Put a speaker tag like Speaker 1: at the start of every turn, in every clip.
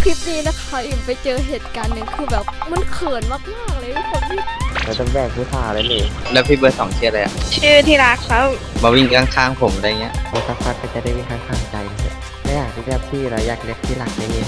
Speaker 1: คลิปนี้นะคะอิ่มไปเจอเหตุการณ์หนึ่งคือแบบมันเขินมากๆเลยทุกคนที่
Speaker 2: เราต้องแบกผู้ชายเลยนี่
Speaker 3: แล้วพี่เบอร์สองชื่ออะไรอ่ะ
Speaker 4: ชื่อที่รักครับ
Speaker 3: มาวิ่งข้างๆผมอะไรเงี้ย
Speaker 2: แล้วสักพักก็จะได้วิ่งข้างๆใจเลยไม่อยากเรียกพี่เราอยากเรียกที่หลักอย่างนี้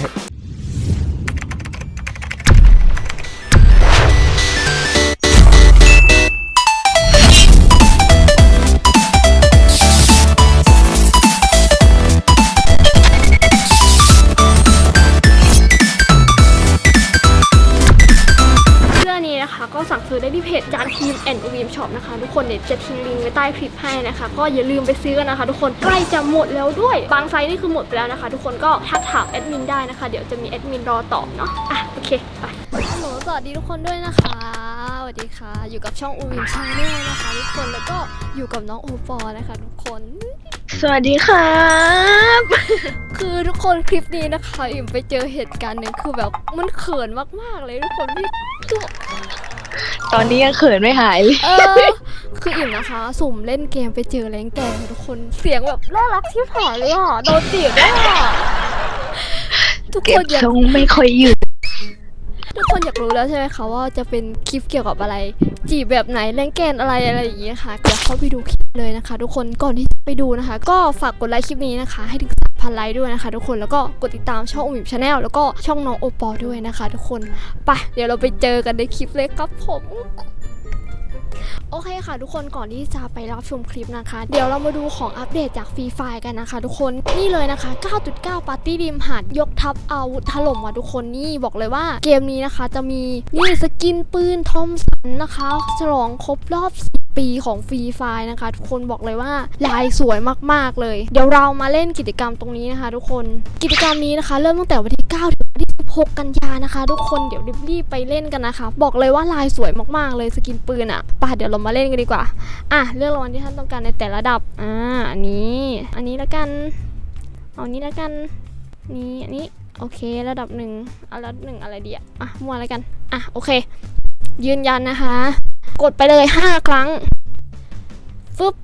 Speaker 1: ก็สั่งซื้อได้ที่เพจจานทีมแอนด์วีมช็อปนะคะทุกคนเดี๋ยวจะทิ้งลิงก์ไว้ใต้คลิปให้นะคะก็อย่าลืมไปซื้อกันนะคะทุกคนใกล้จะหมดแล้วด้วยบางไซส์นี่คือหมดไปแล้วนะคะทุกคนก็ทักถามแอดมินได้นะคะเดี๋ยวจะมีแอดมินรอตอบเนาะโอเคไปฮัลโหลสวัสดีทุกคนด้วยนะคะสวัสดีค่ะอยู่กับช่องวีมชาแนลนะคะทุกคนแล้วก็อยู่กับน้องโอปอนะคะทุกคน
Speaker 4: สวัสดีครับ
Speaker 1: คือทุกคนคลิปนี้นะคะอิ่มไปเจอเหตุการณ์หนึ่งคือแบบมันเขินมากๆเลยทุกคนพี่
Speaker 4: ตอนนี้ยังเขินไม่หายเลย
Speaker 1: คืออิ่มนะคะสุ่มเล่นเกมไปเจอแรงแกงทุกคนเสียงแบบน่ารักที่ผายเลยอ่ะโดนจีบด้วยอ่ะทุกคน
Speaker 4: อยากทรงไม่ค่อยอยู่
Speaker 1: ทุกคนอยากรู้แล้วใช่ไหมคะว่าจะเป็นคลิปเกี่ยวกับอะไรจีบแบบไหนแรงแกนอะไรอย่างเงี้ยค่ะเดี๋ยวเข้าไปดูคลิปเลยนะคะทุกคนก่อนที่จะไปดูนะคะก็ฝากกดไลค์คลิปนี้นะคะให้ถึง3,000 ไลค์ด้วยนะคะทุกคนแล้วก็กดติดตามช่องวีมชาแนลแล้วก็ช่องน้องโอปอด้วยนะคะทุกคนไปเดี๋ยวเราไปเจอกันในคลิปเลยครับผมโอเคค่ะทุกคนก่อนที่จะไปรับชมคลิปนะคะเดี๋ยวเรามาดูของอัปเดตจากฟรีไฟกันนะคะทุกคนนี่เลยนะคะ 9.9 ปาร์ตี้ริมหาดยกทัพอาวุธถล่มว่ะทุกคนนี่บอกเลยว่าเกมนี้นะคะจะมีนี่สกินปืนทอมสันนะคะฉลองครบรอบ10 ปีของฟรีไฟนะคะทุกคนบอกเลยว่าลายสวยมากๆเลยเดี๋ยวเรามาเล่นกิจกรรมตรงนี้นะคะทุกคนกิจกรรมนี้นะคะเริ่มตั้งแต่วันที่9ถึงวันที่16 กันยานะคะทุกคนเดี๋ยวรีบไปเล่นกันนะคะบอกเลยว่าลายสวยมากๆเลยสกินปืนอ่ะป่ะเดี๋ยวเรามาเล่นกันดีกว่าเลือกรางวัลที่ท่านต้องการในแต่ละระดับอันนี้แล้วกันเอานี้แล้วกันนี่อันนี้โอเคระดับ1เอาระดับ1อะไรดีมั่วแล้วกันโอเคยืนยันนะคะกดไปเลย5 ครั้งฟึบ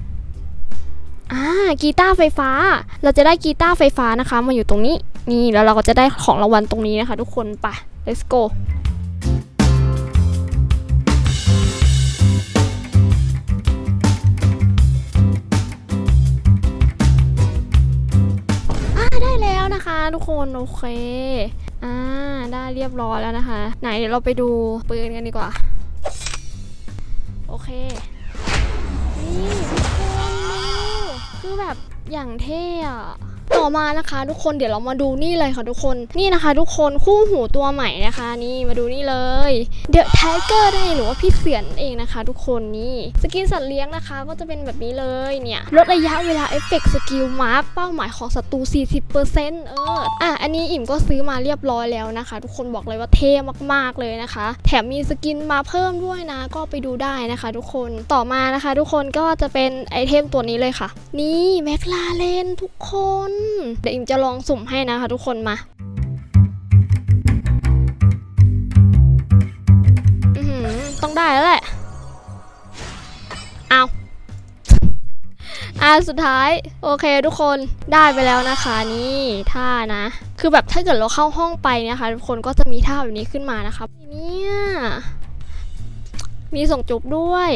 Speaker 1: กีตาร์ไฟฟ้าเราจะได้กีตาร์ไฟฟ้านะคะมาอยู่ตรงนี้นี่แล้วเราก็จะได้ของรางวัลตรงนี้นะคะทุกคนไป let's goได้แล้วนะคะทุกคนโอเคได้เรียบร้อยแล้วนะคะไหนเดี๋ยวเราไปดูปืนกันดีกว่าโอเคนี่ทุกคนคือแบบอย่างเท่อะต่อมานะคะทุกคนเดี๋ยวเรามาดูนี่เลยค่ะทุกคนนี่นะคะทุกคนคู่หูตัวใหม่นะคะนี่มาดูนี่เลยเดอะไทเกอร์ได้หรือว่าพี่เสียนเองนะคะทุกคนนี่สกินสัตว์เลี้ยงนะคะก็จะเป็นแบบนี้เลยเนี่ยลดระยะเวลาเอฟเฟกต์สกิลมาร์คเป้าหมายของศัตรู 40% อันนี้อิ่มก็ซื้อมาเรียบร้อยแล้วนะคะทุกคนบอกเลยว่าเท่มากๆเลยนะคะแถมมีสกินมาเพิ่มด้วยนะก็ไปดูได้นะคะทุกคนต่อมานะคะทุกคนก็จะเป็นไอเทมตัวนี้เลยค่ะนี่แมคลาเรนทุกคนเดี๋ยวอิ่มจะลองสุ่มให้นะคะทุกคนมาต้องได้แล้วแหละสุดท้ายโอเคทุกคนได้ไปแล้วนะคะนี่ท่านะคือแบบถ้าเกิดเราเข้าห้องไปนะคะทุกคนก็จะมีท่าแบบนี้ขึ้นมานะคะเนี่ยมีส่งจุบด้วย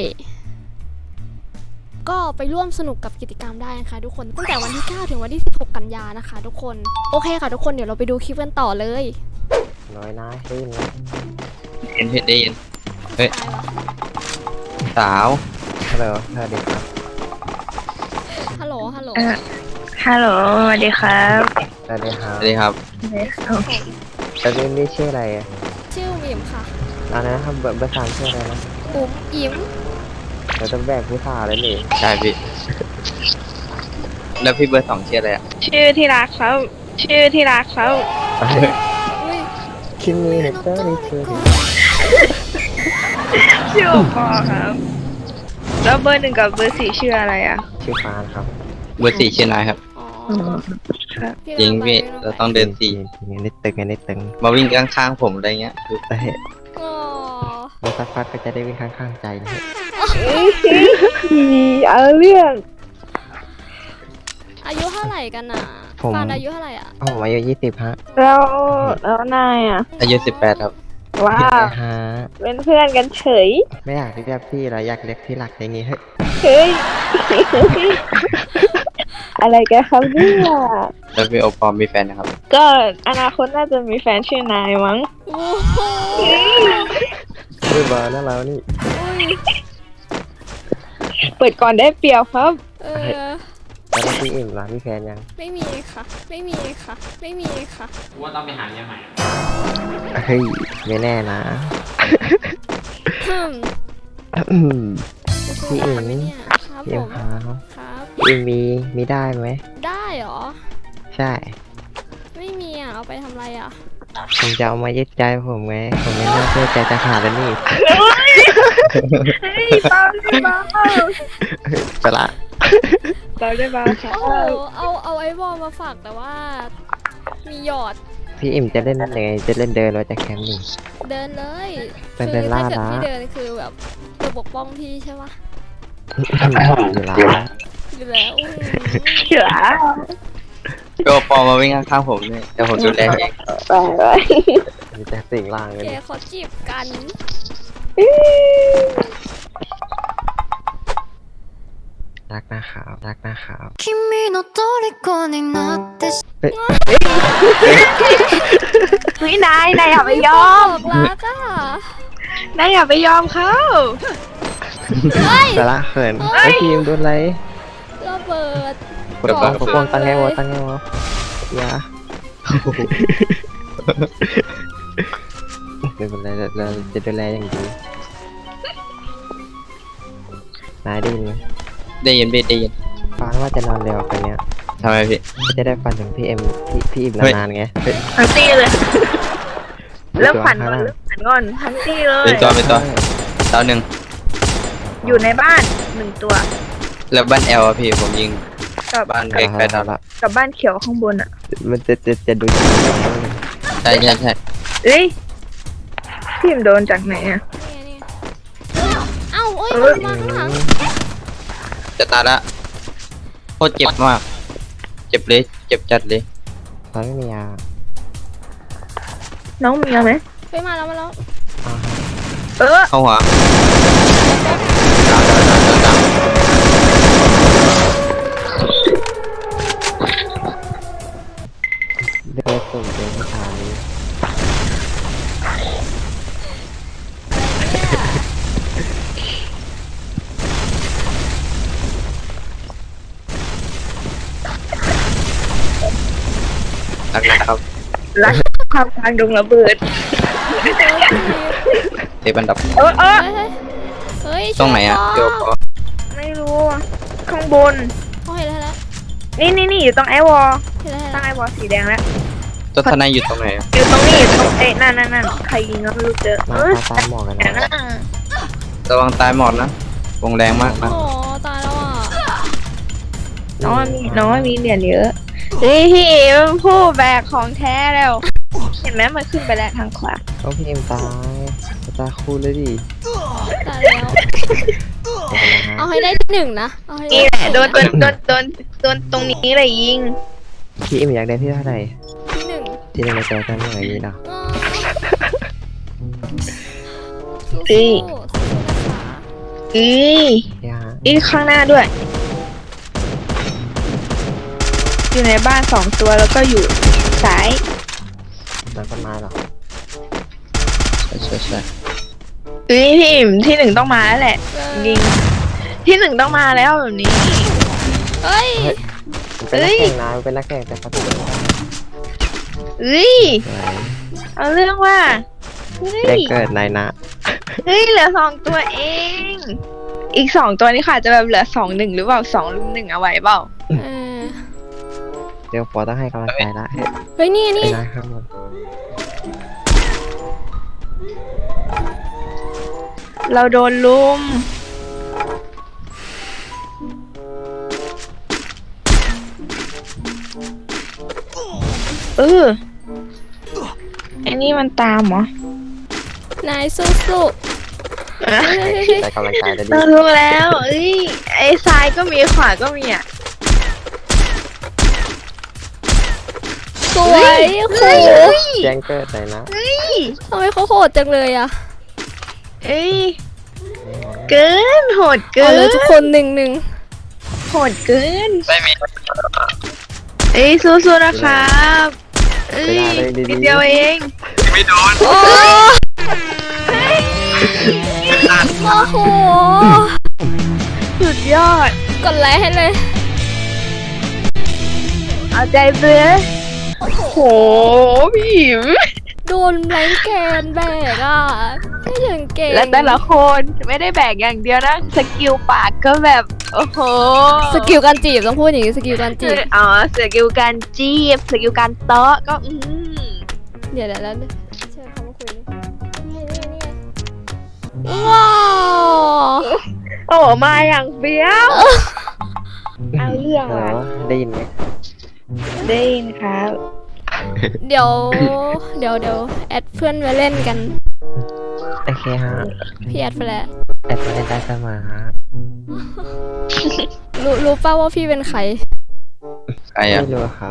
Speaker 1: ก็ไปร่วมสนุกกับกิจกรรมได้นะคะทุกคนตั้งแต่วันที่9ถึงวันที่16 กันยานะคะทุกคนโอเคค่ะทุกคนเดี๋ยวเราไปดูคลิปกันต่อเลย
Speaker 2: น้อยนะได้ยินไหม
Speaker 3: ได้ยินเฮ้ยสาว
Speaker 2: ฮัลโหลสวัสดีครับ
Speaker 1: ฮัลโหล
Speaker 4: ฮัลโหลสวัสดีครับ
Speaker 2: สวัสดีครับ
Speaker 3: สวัสดีครับ
Speaker 2: แล้วนี่ชื่ออะไร
Speaker 1: ชื่อวิมค่ะ
Speaker 2: นะครับเบอร์3ชื่ออะไรนะ
Speaker 1: อิ่ม
Speaker 2: เราต้องแบกผู้ชายเลยนี่
Speaker 3: ใช่พี่แล้วพี่เบอร์สองชื่ออะไรอ่ะ
Speaker 4: ชื่อที่รักครับชื่อที่รักครับ
Speaker 2: คิมิเนเตอร์นี่ชื่อ
Speaker 4: พ่อครับแล้วเบอร์1กับเบอร์4ชื่ออะไร
Speaker 2: ชื่อฟานครับ
Speaker 3: เบอร์4ชื่อนายครับจริงพี่เราต้องเดิน
Speaker 2: นิดตึง
Speaker 3: มาวิ่งข้างๆผมอะไรเงี้ย
Speaker 2: ดูแต่แล้วสักพักก็จะได้วิ่งข้างๆใจเลย
Speaker 4: เอาเรื่อง
Speaker 1: อายุเท่าไหร่กัน
Speaker 2: ผมผม
Speaker 1: ฟานอายุเท่าไหร่อ่ะ
Speaker 2: ผมอายุ20ฮะ
Speaker 4: แล้วนายอ่ะ
Speaker 3: อายุ18ครับ
Speaker 4: ว้า
Speaker 2: ใช่
Speaker 4: ว
Speaker 2: ฮะ
Speaker 4: เป็นเพื่อนกันเฉย
Speaker 2: ไม่อยากเรียกพี่เราอยากเรียกที่หลักอย่างงี้เฮ้ย
Speaker 4: เฮ้ย อะไรกันครับเนี่ย
Speaker 3: แล้วพี่โอปอมมีแฟนนะครับ
Speaker 4: ก็อนาคตน่าจะมีแฟนชื่อนายมั้ง
Speaker 1: โอ้โห
Speaker 2: เฮ้ยมาแล้วเรานี่
Speaker 4: เปิดก่อนได้เปรียวครับ
Speaker 1: เออ
Speaker 2: แล้วพี่อิ่มล่ะมีแฟนยัง
Speaker 1: ไม่มีค่ะ ไม่มีค่ะ ไม่มีค่ะ
Speaker 3: ว่าต้องไปหาเมียใหม่
Speaker 2: เฮ้ยไม่แน่นะ
Speaker 1: อืม
Speaker 2: อืม
Speaker 1: จะโทร
Speaker 2: พี่
Speaker 1: หา
Speaker 2: อิ๋ง
Speaker 1: ไหมเนี่ยครับ
Speaker 2: พี่
Speaker 1: ผ
Speaker 2: อิ่ม
Speaker 1: ม
Speaker 2: ครับ
Speaker 1: ครับ
Speaker 2: พี่อิ่มมีได้ไหม
Speaker 1: ได้เหรอ
Speaker 2: ใช่
Speaker 1: ไม่มีอ่ะ เอาไปทำอะไรอ่ะ
Speaker 2: ผมจะเอามายึดใจผมไงผมไม่น่าเชื่อใจจะขาดแล้วนี่
Speaker 4: เฮ้ยเบาได้เบา
Speaker 2: ไปละ
Speaker 4: เบาได้เบาครั
Speaker 1: โอ้โห
Speaker 4: บ
Speaker 1: เอาไอ้บอลมาฝากแต่ว่า มีหยอด
Speaker 2: พี่อิ่มจะเล่นยังไงจะเล่นเดินหรือว่าจะแคมป์นี่
Speaker 1: เดินเลย
Speaker 2: เป็น
Speaker 1: คื
Speaker 2: เดินล่า
Speaker 1: ถ้าเกิด
Speaker 2: ละ
Speaker 1: พี่เดินคือแบบจะปกป้องพี่ใช่ปะ
Speaker 2: อยู่ละ
Speaker 1: อยู่แล้วอืม
Speaker 4: เฉือ
Speaker 3: พี่โอปอมมาวิ่งข้างๆผมเนี่ยเดี๋ยวผมดูแลเอง
Speaker 4: ไป
Speaker 2: มีแต่สิ่งล่างเลย
Speaker 1: แกขอจีบกัน
Speaker 2: รักนะครับรักนะครับ
Speaker 5: 君の虜になってし
Speaker 4: วินายอย่าไปยอม
Speaker 1: บอกรักอ่ะ
Speaker 4: นายอย่าไปยอมเขา
Speaker 1: เฮ้ย
Speaker 2: ไปละเขินไอ้ทีมโดนอะไร
Speaker 1: ระเบิด
Speaker 2: ปกป้องตั้งไงวะตั้งไงวะอย่าไม่เป็นไรเราจะดูแลอย่างดีนายได้ยินไหม
Speaker 3: ได้ยินพี่ได้ยิน
Speaker 2: ฟังว่าจะนอนเร็วกันเนี้ย
Speaker 3: ทำไมพี่
Speaker 2: จะได้ฝันถึงพี่เอ็มพี่อิ่ม
Speaker 3: เฮ้ย
Speaker 2: นานๆไงเฮ้ย
Speaker 4: ทั้งตี้เลยเริ่มฝัน
Speaker 2: ตัว
Speaker 4: ก่อน
Speaker 2: ข้างหน้า
Speaker 4: เริ่มฝันก่อนทั้งตี้เลย
Speaker 3: เป็นตัวเป็นตัวดาวหนึ่ง
Speaker 4: อยู่ในบ้านหนึ่งตัว
Speaker 3: แล้วบ้านแอลอะพี่ผมยิง
Speaker 4: กับ
Speaker 3: บ้านเล็กไปดาวละ
Speaker 4: กับบ้านเขียวข้างบนอ่ะ
Speaker 2: มันจะดู
Speaker 3: ใช่ใช่ใช่
Speaker 4: เอ้ยพี่มโดนจากไหนอ่ะ
Speaker 1: นี่ไงเอ้าเอ้ย
Speaker 4: เออ
Speaker 1: มันมาข้างหลัง
Speaker 3: จะตายละโคตรเจ็บมาก เจ็บเลยเจ็บจัดเลย
Speaker 2: ตอนไม่มียา
Speaker 4: น้องมีอะไรไหม
Speaker 1: ไปมาแล้วมาแล้ว
Speaker 2: อ่าฮะ
Speaker 4: เออ
Speaker 3: เข้าหัวดาว
Speaker 2: เด็กส่งเป็นผู้ชาย
Speaker 3: รักนะครับ
Speaker 4: รักความกลางดงระเบิด
Speaker 3: เทปอันดับ
Speaker 4: เออ
Speaker 1: เฮ้ยเฮ้ย
Speaker 3: ตรงไหนอะ
Speaker 1: เดี๋
Speaker 3: เดี๋
Speaker 1: ย
Speaker 3: ยว วขอ
Speaker 4: ไม่รู้อะข้างบน
Speaker 1: เขาเห็นแล้ว
Speaker 4: นี่อยู่ตรงไอวอล
Speaker 1: เห็นแล้ว
Speaker 4: ตั้งไอวอลสีแดงแล้ว
Speaker 3: ตัวทนายอยู่ตรงไหนอะ
Speaker 4: อยู่ตรงนี้อยู่ตรงนั่นใครยิงก็ไม่รู้เจอ
Speaker 2: หน้าตาหมอกกัน
Speaker 4: แต่
Speaker 2: นะ
Speaker 4: น่ะ
Speaker 3: ระวังตายหมดนะวงแรงมากนะ
Speaker 1: โอ้ตายแล้วอ่ะ
Speaker 4: น้องมีเหรียญเยอะนี่พี่มันผู้แบกของแท้แล้ว เห็นไหมมันขึ้นไปแล้วทางขวา
Speaker 2: ต้องพี่เอ็มตายตาคู่เลยดิ
Speaker 1: ตายแล้ว
Speaker 2: ขอบคุณนะ
Speaker 1: เอา
Speaker 2: ฮะ
Speaker 1: ให้ได้ที่หนึ่งนะเอาให้ได้
Speaker 4: นี่แหละโดนตรงนี้เลยยิง
Speaker 2: พี่เอ็มอยากได้พี่เท่าไหร่
Speaker 1: ที่หนึ่ง
Speaker 2: ที่ในใจกันอย่างนี้เนาะ
Speaker 1: สู้
Speaker 4: เอ้ย
Speaker 1: ๆนะคะ
Speaker 2: พี่ฮะ
Speaker 4: ข้างหน้าด้วย อยู่ในบ้าน2 ตัวแล้วก็อยู่ซ้าย
Speaker 2: แล้วก็มาหรอ
Speaker 3: ใช่ใช่
Speaker 4: พี่อิ่มที่1ต้องมาแล้วแหละยิงที่1ต้องมาแล้วแบบนี้
Speaker 1: เฮ้ย
Speaker 2: เป็นนักแข่งนะเป็นนักแข่งแต่เขาถูกสวย
Speaker 4: เอาเรื่องว่าเฮ้
Speaker 2: ได้
Speaker 4: ย
Speaker 2: เกิดนายนะ
Speaker 4: เหลือ2 ตัวเอง อีก2 ตัวนี่ค่ะจะแบบเหลือ2-1หรือเปล่า2-1เอาไว้เปล่า
Speaker 1: เออ
Speaker 2: เดี๋ยวปอต้องให้กำลังใจละ
Speaker 1: เฮ้ยนี่
Speaker 2: ไป
Speaker 1: นี่
Speaker 2: นะข้างบน
Speaker 4: เราโดนลุมไอ้นี่มันตามเหรอ
Speaker 1: นายสู้ๆเฮ้ย
Speaker 2: ได้กำลังใจได้ดี
Speaker 4: เรารู้แล้วไอ้ซ้ายก็มีขวาก็มีอ่ะ
Speaker 1: สวยโอ้โห
Speaker 2: แจ้งเกิดเลยนะ
Speaker 1: ทำไมเขาโหดจังเลยอะ
Speaker 4: เอ้ยเกินโหดเกิ
Speaker 1: เอา
Speaker 4: น
Speaker 1: เลยทุกคนหนึ่ง
Speaker 4: โหดเกิน
Speaker 3: ไม่มี
Speaker 4: เอ้ยสู้ๆนะครับเอ้ย
Speaker 2: ไม่ได้เลยดีๆ
Speaker 4: นิดเดียวเอง
Speaker 3: ไม่โดน
Speaker 1: โอ้โอ้โห
Speaker 4: สุดยอด
Speaker 1: กดไลค์ให้เลย
Speaker 4: เอาใจเบื่อโหพี่หิม
Speaker 1: โดนแรงแกนแบกอ่ะไม่ถึงเก่ง
Speaker 4: และแต่ละคนไม่ได้แบกอย่างเดียวนะ สกิลปากก็แบบ โอ้โห
Speaker 1: สกิลการจีบต้องพูดอย่างนี้สกิลการจีบ
Speaker 4: อ๋อสกิลการจีบสกิลการเตาะก็
Speaker 1: เดี๋ยวแล้วเชิญเขามาคุยนี่ว้าว
Speaker 4: โอ้มาอย่างเบี้ยวเอาเรื่อง
Speaker 2: ฮัลโหล
Speaker 4: ว่ะ
Speaker 2: ได้ยินไหม
Speaker 4: ได้ยินครับ
Speaker 1: เดี๋ยวแอดเพื่อนมาเล่นกัน
Speaker 2: โอเคฮะ
Speaker 1: พี่แอดไปแล้ว
Speaker 2: แอดมาเล่นได้เสมอฮะ
Speaker 1: รู้ป่าว่าพี่เป็นใคร
Speaker 3: ใครอ่ะ
Speaker 2: ไม่รู้ครับ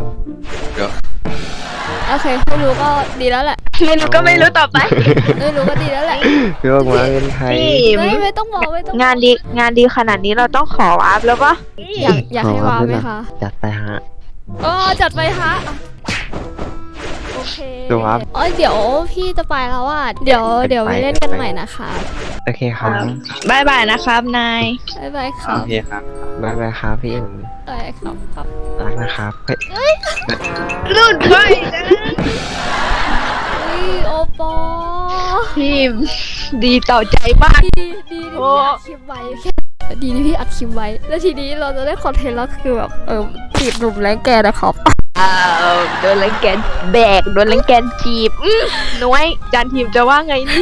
Speaker 1: โอเคไม่รู้ก็ดีแล้วแหละ
Speaker 4: ไม่รู้ก็ไม่รู้ต่อไป
Speaker 1: ไม่รู้ก็ดีแล้วแหละ
Speaker 2: พี่บอกมาเป็นใคร
Speaker 4: พี่หิม
Speaker 1: ไม่ต้องบอกไม่ต้องบอก
Speaker 4: งานดีขนาดนี้เราต้องขอวาร์ปแล้วปะ
Speaker 1: อยากให้ว้าวไหมคะ
Speaker 2: จัดไปฮะ
Speaker 1: อ๋อจัดไปฮะโอเค
Speaker 2: ดูครับ
Speaker 1: อ๋อเดี๋ยวพี่จะไปแล้วอ่ะเดี๋ยวไปเล่นกันใหม่นะคะ
Speaker 2: โอเคครับ
Speaker 4: บายบายนะครับนาย
Speaker 1: บ๊ายบายค
Speaker 3: โอ
Speaker 1: รับ
Speaker 3: เคครับ
Speaker 2: บ๊ายบายครับพี่อิม
Speaker 1: บ๊ายบายครับ
Speaker 2: รักนะครับเฮ้ย
Speaker 4: หลุดไปนะ
Speaker 1: อุ้ยโอปอ
Speaker 4: พี่หิมดีต่อใจมาก
Speaker 1: ดีที่พี่อัดคลิปไว้แค่ดีที่พี่อัดคลิปไว้ แล้วทีนี้เราจะได้คอนเทนต์แล้วคือแบบจีบหนุ่มแรงแกนะครับ
Speaker 4: โดนลังแกนแบกโดนลังแกนจีบน้อยจานทีมจะว่าไงนี่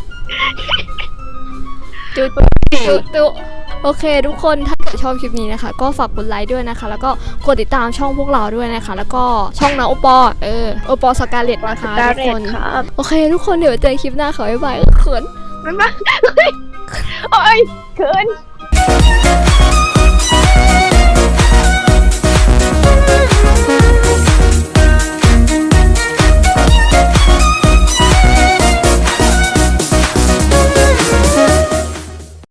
Speaker 1: จุ๊โอเคทุกคนถ้าเกิดชอบคลิปนี้นะคะ ก็ฝากกดไลค์ด้วยนะคะ แล้วก็กดติดตามช่องพวกเราด้วยนะคะ แล้วก็ช่องน้าโอปอโอปอสกาเลตนะคะทุกคน
Speaker 4: ครับ
Speaker 1: โอเค ทุกคนเดี๋ยวเจอคลิปหน้าขอบ๊ายบายเขิน
Speaker 4: บ๊ายบายโอ้ยเขิน